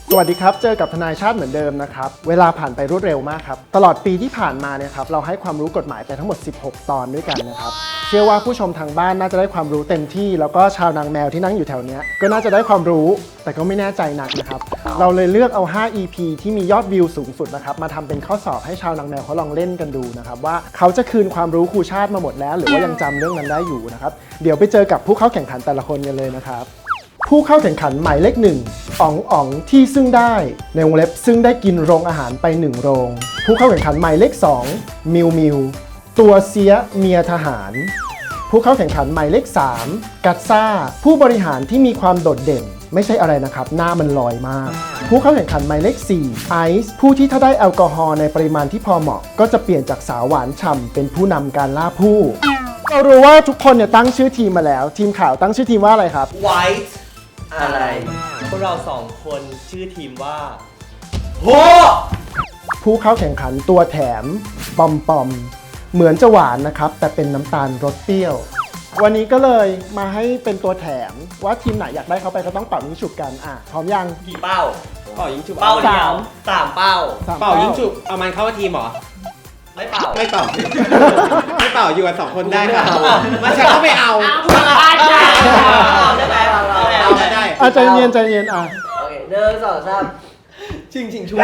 สวัสดีครับเจอกับทนายชาติเหมือนเดิมนะครับเวลาผ่านไปรวดเร็วมากครับตลอดปีที่ผ่านมาเนี่ยครับเราให้ความรู้กฎหมายไปทั้งหมด16 ตอนด้วยกันนะครับเชื่อว่าผู้ชมทางบ้านน่าจะได้ความรู้เต็มที่แล้วก็ชาวนางแมวที่นั่งอยู่แถวนี้ก็น่าจะได้ความรู้แต่ก็ไม่แน่ใจนักนะครับเราเลยเลือกเอา5 EP ที่มียอดวิวสูงสุดนะครับมาทำเป็นข้อสอบให้ชาวนางแมวเขาลองเล่นกันดูนะครับว่าเขาจะคืนความรู้ครูชาติมาหมดแล้วหรือว่ายังจำเรื่องนั้นได้อยู่นะครับเดี๋ยวไปเจอกับผู้เข้าแข่งขันแต่ละคนกันเลยนะครับผู้เข้าแข่งขันหมายเลข1อ๋องที่ซึ่งได้ในวงเล็บซึ่งได้กินโรงอาหารไป1โรงผู้เข้าแข่งขันหมายเลข2มิวตัวเสียเมียทหารผู้เข้าแข่งขันหมายเลข3กัตซ่าผู้บริหารที่มีความโดดเด่นไม่ใช่อะไรนะครับหน้ามันลอยมากผู้เข้าแข่งขันหมายเลข4ไอซ์ผู้ที่ถ้าได้แอลกอฮอล์ในปริมาณที่พอเหมาะก็จะเปลี่ยนจากสาวหวานฉ่ำเป็นผู้นำการล่าผู้เรารู้ว่าทุกคนเนี่ยตั้งชื่อทีมมาแล้วทีมข่าวตั้งชื่อทีมว่าอะไรครับ White อะไรพวกเรา2 คนชื่อทีมว่าโหผู้เข้าแข่งขันตัวแถมปอมเหมือนจะหวานนะครับแต่เป็นน้ำตาลรสเปรี้ยววันนี้ก็เลยมาให้เป็นตัวแถมว่าทีมไหนอยากได้เขาไปก็ต้องเป่ายิงฉุบกันพร้อมยังกี่เป้าเป่ายิงฉุบเป้าเดียว3 เป้าเป่ายิงฉุบเอามันเข้าทีมเหรอไม่เป่าไม่เป่า ไม่เป่าอยู่กัน2 คนได้ค่ะมันฉันก็ไม่เอาได้ไหมเอาไม่ได้ใจเย็นโอเค1 2 3ชิงชุบ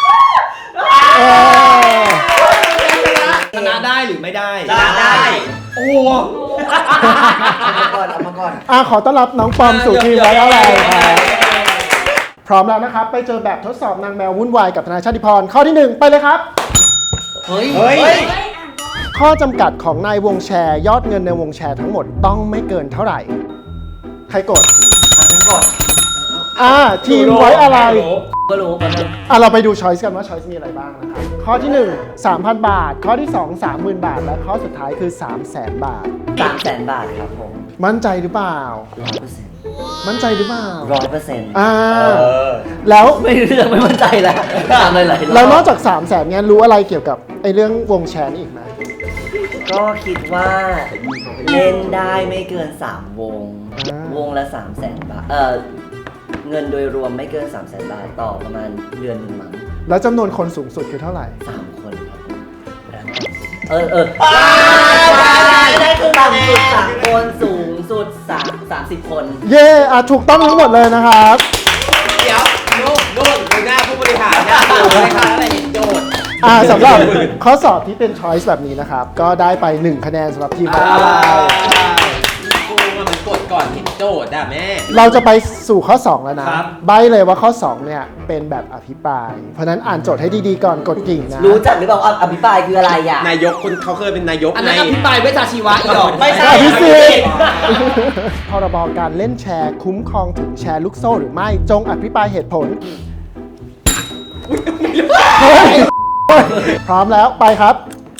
ชนะได้หรือไม่ได้ชนะได้โอ้เอามาก่อนขอต้อนรับน้องปอมสู่ทีมไว้อะไรครับพร้อมแล้วนะครับไปเจอแบบทดสอบนางแมววุ่นวายกับทนายชาติพรข้อที่1ไปเลยครับเฮ้ยข้อจำกัดของนายวงแชร์ยอดเงินในวงแชร์ทั้งหมดต้องไม่เกินเท่าไหร่ใครกดฉันกดทีมไว้อะไรก็รู้กันเราไปดูช้อยส์กันว่าช้อยส์มีอะไรบ้างนะครับข้อที่1 3,000 บาทข้อที่2 30,000 บาทและข้อสุดท้ายคือ 300,000 บาท 300,000 บาทครับผมมั่นใจหรือเปล่า 100% มั่นใจหรือเปล่า 100%แล้วไม่เรื่องไม่มั่นใจแล้วถามหลายๆแล้วนอกจาก 300,000 เนี่ยรู้อะไรเกี่ยวกับไอ้เรื่องวงแชร์นี่อีกไหมก็คิดว่าเล่นได้ไม่เกิน3 วงวงละ 300,000 บาทเงินโดยรวมไม่เกิน 300,000 บาทต่อประมาณเดือน1 มั้งแล้วจำนวนคนสูงสุดคือเท่าไหร่ 3 คนครับได้คือต่ำสุด3 คนสูงสุด30 คนเย้ถูกต้องทั้งหมดเลยนะครับเดี๋ยวนู่นหน้าผู้บริหารนะเลยค่ะอะไรโจทย์สำหรับข้อสอบที่เป็น choice แบบนี้นะครับก็ได้ไป1 คะแนนสำหรับทีมของเรากูมันกดก่อนเห็นโจทย์แม่เราจะไปสู่ข้อ2แล้วนะใบเลยว่าข้อ2เนี่ยเป็นแบบอภิปรายเพราะนั้นอ่านโจทย์ให้ดีๆก่อนกดกิ่งนะรู้จักหรือเปล่าอภิปรายคืออะไรอ่ะนายกคนเขาเคยเป็นนายกอันนั้นอภิปรายเวชชีวะอีกหรอไม่ใช่อภิสิทธิ์พรบการเล่นแชร์คุ้มครองถึงแชร์ลูกโซ่หรือไม่จงอภิปรายเหตุผลพร้อมแล้วไปครับ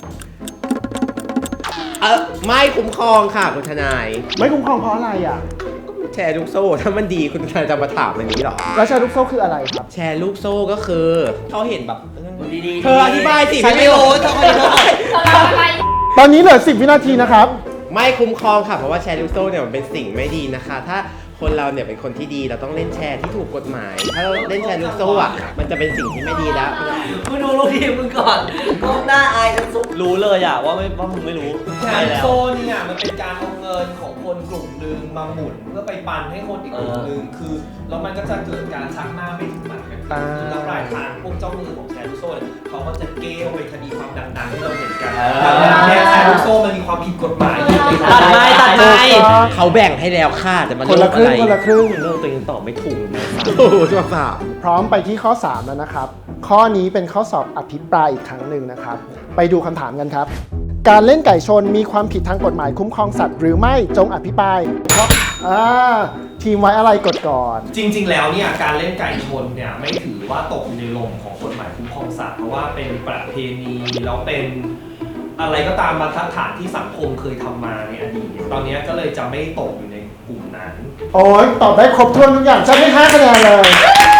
ไม่คุ้มครองค่ะคุณทนายไม่คุ้มครองเพราะอะไรอ่ะแชร์ลูกโซ่ถ้ามันดีคุณทนายจะมาถามอันนี้หรอแล้วแชร์ลูกโซ่คืออะไรครับแชร์ลูกโซ่ก็คือเขาเห็นแบบดีๆเธออธิบายสิไม่รู้เธอตอนนี้เหลือ10 วินาทีนะครับไม่คุ้มครองค่ะเพราะว่าแชร์ลูกโซ่เนี่ยมันเป็นสิ่งไม่ดีนะคะถ้าคนเราเนี่ยเป็นคนที่ดีเราต้องเล่นแชร์ที่ถูกกฎหมายถ้าเราเล่นแชร์ลูกโซ่มันจะเป็นสิ่งที่ไม่ดีแล้วมึงดูลูกทีมมึงก่อนก้มหน้าอายจะสุดรู้เลยว่ามึงไม่รู้แชร์ลูกโซ่เนี่ยมันเป็นการเอาเงินของคนกลุ่มหนึ่งมาหมุนเพื่อไปปันให้คนอีกกลุ่มหนึ่งคือแล้วมันก็จะเกิดการชักหน้าไม่ถึงหลังกันแล้วปลายทางพวกเจ้ามือของแชร์ลูกโซ่เขาก็จะเกลี้ยวไปคดีความดังๆที่เราเห็นกันแชร์ลูกโซ่มันมีความผิดกฎหมายตัดไม่เขาแบ่งให้แล้วค่ะแต่มันคนละครึ่งเรื่องตัวเองตอบไม่ถูกนะพร้อมไปที่ข้อ3แล้วนะครับข้อนี้เป็นข้อสอบอภิปรายอีกครั้งหนึ่งนะครับไปดูคำถามกันครับการเล่นไก่ชนมีความผิดทางกฎหมายคุ้มครองสัตว์หรือไม่จงอภิปรายทีมไว้อะไรกดก่อนจริงๆแล้วเนี่ยการเล่นไก่ชนเนี่ยไม่ถือว่าตกอยู่ในลมของกฎหมายคุ้มครองสัตว์เพราะว่าเป็นประเพณีแล้วเป็นอะไรก็ตามบรรทัดฐานที่สังคมเคยทำมาในอดีตตอนนี้ก็เลยจะไม่ตกอยู่ในกลุ่มนั้นโอ้ยตอบได้ครบถ้วนทุกอย่างฉันให้5 คะแนนเลย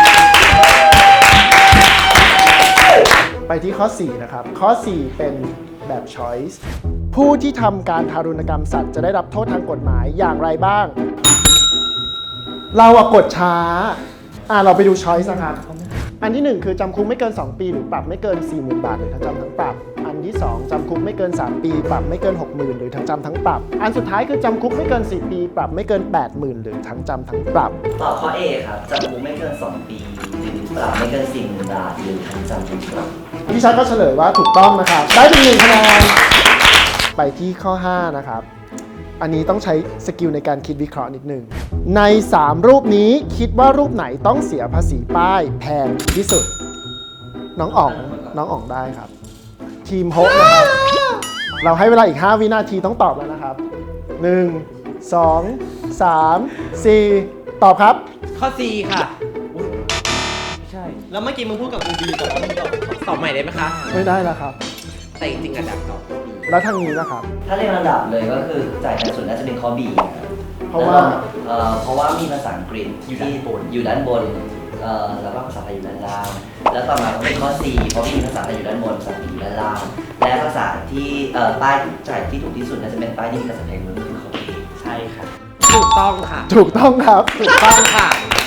ไปที่ข้อ4นะครับข้อ4เป็นแบบ choice ผู้ที่ทำการทารุณกรรมสัตว์จะได้รับโทษทางกฎหมายอย่างไรบ้างเรากดช้าเราไปดูช้อยส์นะครับ อันที่ 1 คือจำคุกไม่เกิน 2 ปีหรือปรับไม่เกิน 40,000 บาทหรือทั้งจำทั้งปรับ อันที่ 2จำคุกไม่เกิน 3 ปีปรับไม่เกิน 60,000 หรือทั้งจำทั้งปรับ อันสุดท้ายคือจำคุกไม่เกิน 4 ปีปรับไม่เกิน 80,000 หรือทั้งจำทั้งปรับตอบข้อ A ครับจำคุกไม่เกิน 2 ปีหรือปรับไม่เกิน 40,000 บาทหรือทั้งจำทั้งปรับพี่ชัดก็เฉลยว่าถูกต้องนะครับ ได้เป็น1คะแนน ไปที่ข้อ 5 นะครับ อันนี้ต้องใช้สกิลในการคิดวิเคราะห์นิดนึง ใน 3 รูปนี้คิดว่ารูปไหนต้องเสียภาษีป้ายแพงที่สุด น้องอ๋องได้ครับ ทีมโฮปนะครับ เราให้เวลาอีก 5 วินาทีต้องตอบแล้วนะครับ 1 2 3 4 ตอบครับข้อ C ค่ะใช่ แล้วเมื่อกี้มึงพูดกับกูดีแต่ว่ามึงตอบตอบใหม่ได้ไหมคะไม่ได้แล้วครับแต่จริงๆอะดับตอบข้อ B แล้วทางนี้นะครับถ้าเรียงลำดับเลยก็คือจ่ายแพงสุดน่าจะเป็นข้อ B นะครับเพราะว่าเพราะว่ามีภาษาอังกฤษอยู่ด้านบนแล้วก็ภาษาไทยอยู่ด้านล่าง แล้วต่อมาก็เป็นข้อ C เพราะมีภาษาไทยอยู่ด้านบนภาษาอังกฤษอยู่ด้านล่าง และภาษาที่ป้ายที่จ่ายที่ถูกที่สุดน่าจะเป็นป้ายที่มีภาษาไทยล้วนก็คือข้อ A ใช่ค่ะถูกต้องค่ะถูกต้องครับถูกต้องค่ะ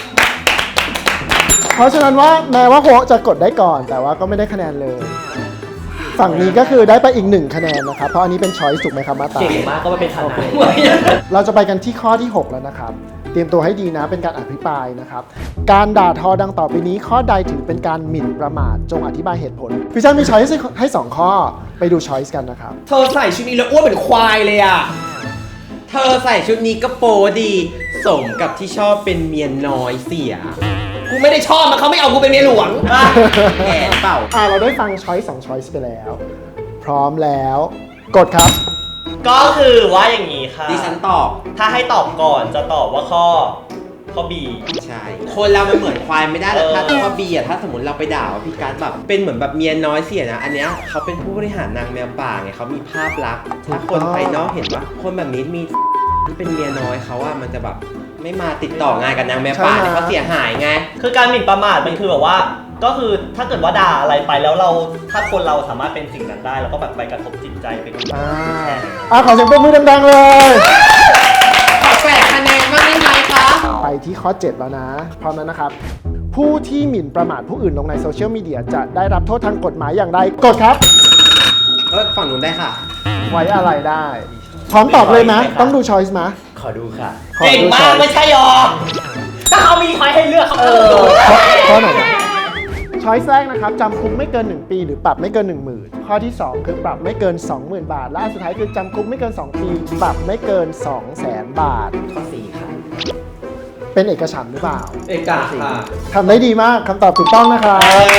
เพราะฉะนั้นว่าแม้ว่าโฮจะกดได้ก่อน แต่ว่าก็ไม่ได้คะแนนเลย ฝั่งนี้ก็คือได้ไปอีก1คะแนนนะครับ เพราะอันนี้เป็นช้อยส์ถูกไหมครับมาตาเก่งมากก็มาเป็นทนายเราจะไปกันที่ข้อที่ 6 แล้วนะครับ เตรียมตัวให้ดีนะเป็นการอภิปรายนะครับ การด่าทอดังต่อไปนี้ข้อใดถือเป็นการหมิ่นประมาทจงอธิบายเหตุผลพี่ชายมีช้อยส์ให้ 2 ข้อไปดูช้อยส์กันนะครับเธอใส่ชุดนี้แล้วอ้วนเหมือนควายเลยอ่ะเธอใส่ชุดนี้ก็โปดี สมกับที่ชอบเป็นเมียน้อยเสียกูไม่ได้ชอบมันเขาไม่เอากูเป็นเมียหลวงแก่เปล่าเราได้ฟังช้อยส์2ช้อยส์ไปแล้ว พร้อมแล้ว กดครับก็คือว่าอย่างนี้ค่ะดิฉันตอบถ้าให้ตอบก่อนจะตอบว่าข้อ B ใช่ คนเรามันเหมือนควายไม่ได้แต่ถ้าข้อ B อ่ะถ้าสมมติเราไปด่าว่าพี่การดแบบเป็นเหมือนแบบเมียน้อยเสียนะ อันเนี้ยเขาเป็นผู้บริหารนางแมวป่าไงเขามีภาพลักษณ์ถ้าคนภายนอกเห็นว่าคนแบบนี้มีที่เป็นเมียน้อยเขาว่ามันจะแบบไม่มาติดต่องานกับนางแมวป่าเนี่ยเขาเสียหายไงคือการหมิ่นประมาทมันคือแบบว่า ก็คือถ้าเกิดว่าด่าอะไรไปแล้วเราถ้าคนเราสามารถเป็นสิ่งนั้นได้แล้วก็แบบไปกระทบจิตใจไปดูขอเสียงปรบมือดังๆเลยขอ8 คะแนนบ้างได้ไหมคะไปที่ข้อ 7 แล้วนะ พร้อมแล้วนะครับ ผู้ที่หมิ่นประมาทผู้อื่นลงในโซเชียลมีเดียจะได้รับโทษทางกฎหมายอย่างไร กดครับฝั่งนู้นได้ค่ะไว้อะไรได้ พร้อมตอบเลยไหมต้องดูช้อยส์ไหมขอดูค่ะขอเก่งดูมาช้กอยไม่ส์ใช่หรอถ้าเขามีช้อยให้เลือกเขาก็ต้องดูข้อไหนช้อยส์แรกนะครับจำคุกไม่เกิน 1 ปีหรือปรับไม่เกิน 10,000 ข้อที่ 2 คือปรับไม่เกิน 20,000 บาท และอันสุดท้ายคือจำคุกไม่เกิน 2 ปี ปรับไม่เกิน 200,000 บาทข้อ 4 ค่ะเป็นเอกฉันท์หรือเปล่าเอกาค่ะทำได้ดีมากคำตอบถูกต้องนะครับ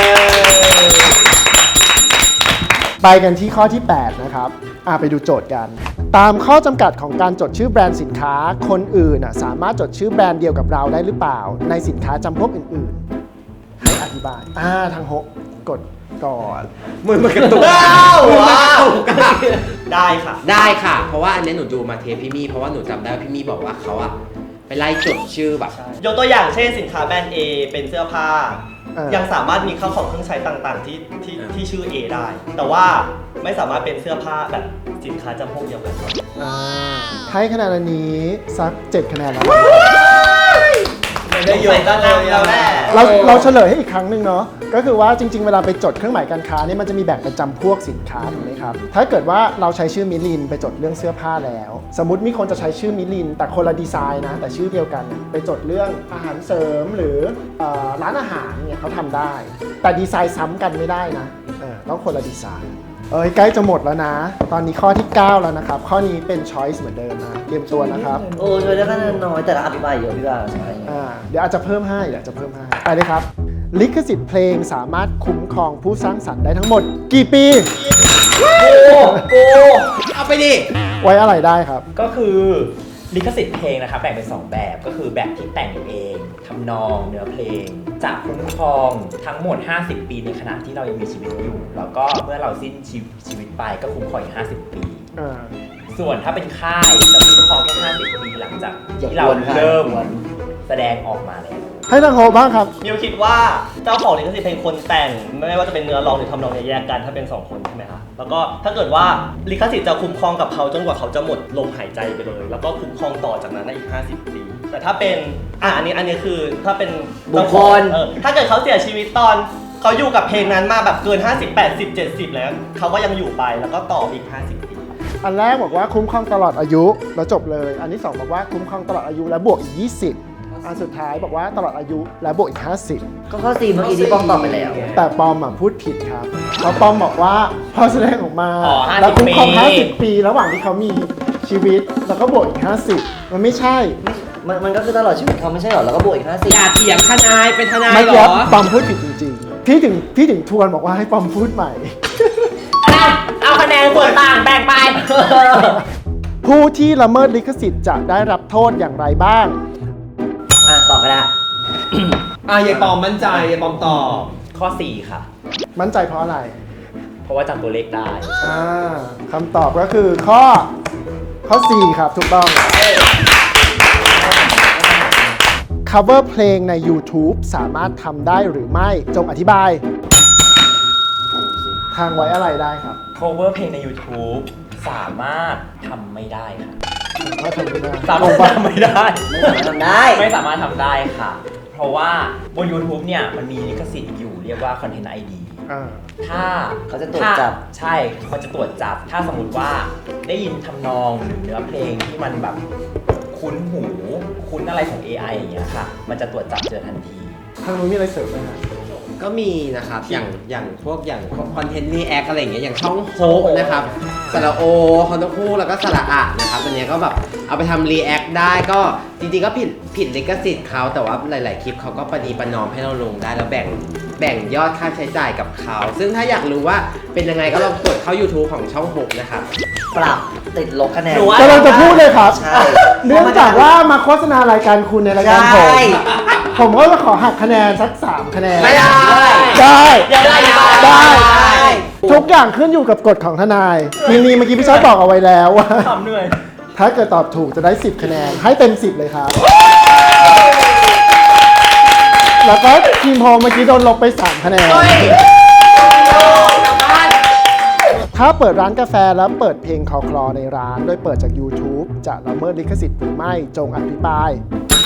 ไปกันที่ข้อที่ 8 นะครับ ไปดูโจทย์กัน ตามข้อจำกัดของการจดชื่อแบรนด์สินค้า คนอื่นสามารถจดชื่อแบรนด์เดียวกับเราได้หรือเปล่า ในสินค้าจำพวกอื่นๆ ให้อธิบาย ทางโฮกกดก่อนมือมันกระตุกว้าวมือมันกระตุกอะได้ค่ะได้ค่ะ เพราะว่าอันนี้หนูดูมาเทปพี่มี่เพราะว่าหนูจำได้ว่าพี่มี่บอกว่าเขาอะไปไล่จดชื่อแบบยกตัวอย่างเช่นสินค้าแบรนด์ A เป็นเสื้อผ้าเออยังสามารถมีข้าวของเครื่องใช้ต่างๆที่ชื่อ A ได้ แต่ว่าไม่สามารถเป็นเสื้อผ้าแบบสินค้าจำพวกเดียวกันให้คะแนนอันนี้สัก 7 คะแนนแล้วไม่ได้เยอะก็นำแล้วแหละเราเฉลยให้อีกครั้งหนึ่งเนาะก็คือว่าจริงๆ เวลาไปจดเครื่องหมายการค้าเนี่ยมันจะมีแบ่งเป็นจำพวกสินค้าถูกไหมครับ ถ้าเกิดว่าเราใช้ชื่อมิลินไปจดเรื่องเสื้อผ้าแล้ว สมมติมีคนจะใช้ชื่อมิลินแต่คนละดีไซน์นะแต่ชื่อเดียวกันไปจดเรื่องอาหารเสริมหรือร้านอาหารเนี่ยเขาทำได้ แต่ดีไซน์ซ้ำกันไม่ได้นะต้องคนละดีไซน์ใกล้จะหมดแล้วนะ ตอนนี้ข้อที่ 9 แล้วนะครับ ข้อนี้เป็น choice เหมือนเดิมนะเตรียมตัวนะครับโอ้ช่วยได้คะแนนน้อยแต่ละอธิบายเยอะพี่ว่าใช่เดี๋ยวอาจจะเพิ่มให้ไปเลยครับ ลิขสิทธิ์เพลงสามารถคุ้มครองผู้สร้างสรรค์ได้ทั้งหมด กี่ปีกูเอาไปดิไว้อะไรได้ครับก็คือลิขสิทธิ์เพลงนะครับแบ่งเป็น 2 แบบก็คือแบบที่แต่งเองทำนองเนื้อเพลงจะคุ้มครองทั้งหมด 50 ปีในขณะที่เรายังมีชีวิตอยู่ แล้วก็เมื่อเราสิ้นชีวิตไปก็คุ้มครองอีก50 ปี ส่วนถ้าเป็นค่ายจะคุ้มครองแค่50 ปีหลังจากที่เราเริ่มแสดงออกมาแล้วให้ทางโฮบ้างครับมิวคิดว่าเจ้าของลิขสิทธิ์เพลงคนแต่งไม่ว่าจะเป็นเนื้อร้องหรือทำนองเนี่ยแยกกันถ้าเป็น2 คนใช่ไหมคะแล้วก็ถ้าเกิดว่าลิขสิทธิ์จะคุ้มครองกับเขาจนกว่าเขาจะหมดลมหายใจไปเลย แล้วก็คุ้มครองต่อจากนั้นได้อีก50 ปีแต่ถ้าเป็นอันนี้คือถ้าเป็นบุคคลถ้าเกิดเขาเสียชีวิตตอนเขาอยู่กับเพลงนั้นมาแบบเกิน 50 80 70 แล้วเขาก็ยังอยู่ไปแล้วก็ต่ออีก 50 ปีอันแรกบอกว่าคุ้มครองตลอดอายุแล้วจบเลย อันที่ 2 บอกว่าคุ้มครองตลอดอายุและบวกอีก 20 อันสุดท้ายบอกว่าตลอดอายุและบวกอีก 50 ก็ข้อ4เมื่อกี้ที่ป้องตอบไปแล้วแต่ปอมพูดผิดครับเพราะปอมบอกว่าพอแสดงออกมาอ๋อ50 แล้วคุ้มครองปี 50 ปีระหว่างที่เขามีชีวิตแล้วก็บวกอีก 50 มันไม่ใช่มันก็คือตลอดชีวิตเขาไม่ใช่หรอแล้วก็บวกอีก 50 อย่าเถียงทนายเป็นทนายเมื่อเหรกี้อปอมพูดผิดจริงๆ พี่ถึงทวนบอกว่าให้ปอมพูดใหม่เอาคะแนนส่วนต่างแบ่งไปผู้ที่ละเมิดลิขสิทธิ์จะได้รับโทษอย่างไรบ้างตอบไปแล้วยายปอมมั่นใจยายปอมตอบข้อ 4 ค่ะมั่นใจเพราะอะไรเพราะว่าจำตัวเลขได้คำตอบก็คือข้อ 4 ครับ ถูกต้อง cover เพลงใน YouTube สามารถทำได้หรือไม่จงอธิบาย ทางไว้อะไรได้ครับ cover เพลงใน YouTube สามารถทำไม่ได้ค่ะว่าทำไม่ได้สามารถทำไม่ได้ไม่สามารถทำได้ไม่สามารถทำได้ค่ะ เพราะว่าบน YouTube เนี่ยมันมีลิขสิทธิ์อยู่เรียกว่า Content ID อ่าถ้าเขาจะตรวจจับใช่เขาจะตรวจจับ ถ้าสมมติว่าได้ยินทำนองหรือเนื้อเพลงที่มันแบบคุ้นหู คุ้นอะไรของ AI อย่างเงี้ยค่ะ มันจะตรวจจับเจอทันทีทางนู้นมีอะไรเสริมไหมฮะก็มีนะครับ อย่างพวกคอนเทนต์รีแอคอะไรอย่างเงี้ยอย่างช่องโฮกนะครับสระโอคอนโทคู่แล้วก็สระอะนะครับอันเนี้ยก็แบบเอาไปทำรีแอคได้ก็จริงๆก็ผิดลิขสิทธิ์เขาแต่ว่าหลาย ๆ คลิปเขาก็ประนีประนอมให้เราลงได้แล้วแบ่งยอดค่าใช้จ่ายกับเขา ซึ่งถ้าอยากรู้ว่าเป็นยังไงก็ลองกดเข้า YouTube ของช่องโฮกนะครับปรับติดลบคะแนนหนูว่ากำลังจะพูดเลยครับใช่เนื่องจากว่ามาโฆษณารายการคุณในรายการผมใช่ผมก็จะขอหักคะแนนสัก 3 คะแนนไม่ได้ได้ได้ทุกอย่างขึ้นอยู่กับกฎของทนาย ทีนี้เมื่อกี้พี่ชอบบอกเอาไว้แล้วว่าทำเหนื่อยถ้าเกิดตอบถูกจะได้ 10 คะแนน ให้เต็ม 10 เลยครับ แล้วก็ทีมโฮมเมื่อกี้โดนลบไป 3 คะแนน ถ้าเปิดร้านกาแฟแล้วเปิดเพลงคลอในร้านโดยเปิดจาก YouTube จะละเมิดลิขสิทธิ์หรือไม่จงอภิปราย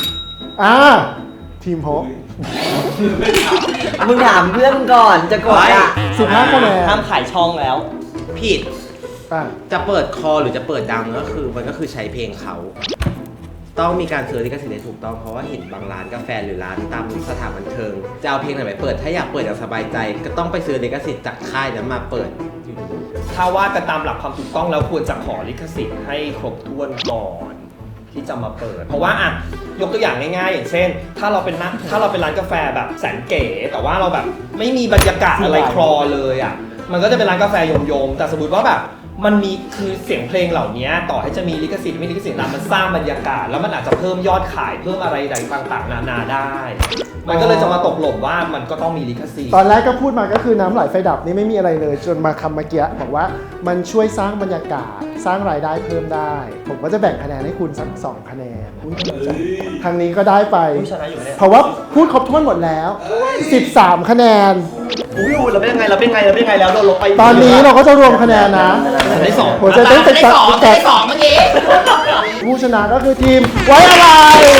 ทีมโฮมมึงถามเพื่อนมึงก่อนจะกดอ่ะ 15 คะแนนห้ามขายช่องแล้วผิดอ่ะจะเปิดคอหรือจะเปิดดังก็คือมันก็คือใช้เพลงเขา ต้องมีการซื้อลิขสิทธิ์ให้ถูกต้องเพราะว่าเห็นบางร้านกาแฟหรือร้านตามสถานบันเทิงจะเอาเพลงไหนไปเปิดถ้าอยากเปิดอย่างสบายใจก็ต้องไปซื้อลิขสิทธิ์จากค่ายนั้นมาเปิดถ้าว่ากันตามหลักความถูกต้องแล้วควรจะขอลิขสิทธิ์ให้ครบถ้วนก่อนที่จะมาเปิด เพราะว่ายกตัวอย่างง่ายๆ อย่างเช่น ถ้าเราเป็นร้านกาแฟแบบแสนเก๋แต่ว่าเราแบบไม่มีบรรยากาศอะไรคลอเลยอ่ะมันก็จะเป็นร้านกาแฟโยมๆแต่สมมติว่าแบบมันมีคือเสียงเพลงเหล่านี้ต่อให้จะมีลิขสิทธิ์ไม่ลิขสิทธิ์มันสร้างบรรยากาศแล้วมันอาจจะเพิ่มยอดขายเพิ่มอะไรต่างๆนานาได้ มันก็เลยจะมาตกหล่นว่ามันก็ต้องมีลิขสิทธิ์ตอนแรกก็พูดมาก็คือน้ำไหลไฟดับนี่ไม่มีอะไรเลย จนมาคำเมื่อกี้บอกว่ามันช่วยสร้างบรรยากาศสร้างรายได้เพิ่มได้ ผมก็จะแบ่งคะแนนให้คุณสัก2 คะแนนทางนี้ก็ได้ไปชนะอยู่เนี่ยเพราะว่าพูดครบถ้วนหมดแล้ว 13 คะแนนอุ้ยเราเป็นยังไงแล้วโดนลบไปตอนนี้เราก็จะรวมคะแนนนะได้สองหัวใจเต้นติดตัดเมื่อกี้ผู้ชนะก็คือทีมไว้อะไร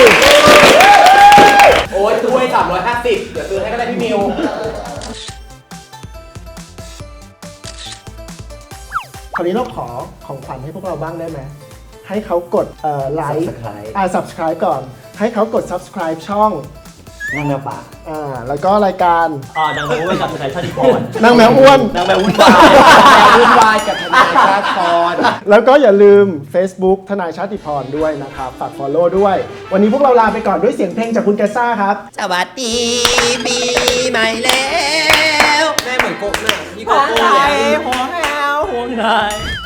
โอ้ยซื้อให้350เดี๋ยวซื้อให้ก็ได้พี่มิวคราวนี้เราขอของขวัญให้พวกเราบ้างได้ไหมให้เขากดไลค์ subscribe ก่อน ให้เขากด subscribe ช่องนั่งแมวป่าแล้วก็รายการดังแมวอ้วนกับทนายชาติพรนางแมวอ้วนดังแมวอ้วนวุ่นวายกับทนายชาติพรแล้วก็อย่าลืม Facebook ทนายชาติพรด้วยนะครับ ฝาก follow ด้วย วันนี้พวกเราลาไปก่อนด้วยเสียงเพลงจากคุณแกซ่าครับสวัสดีปีใหม่แล้วแม่เหมือนโกะเนี่ยพี่โกโก้เลยห่วงนาย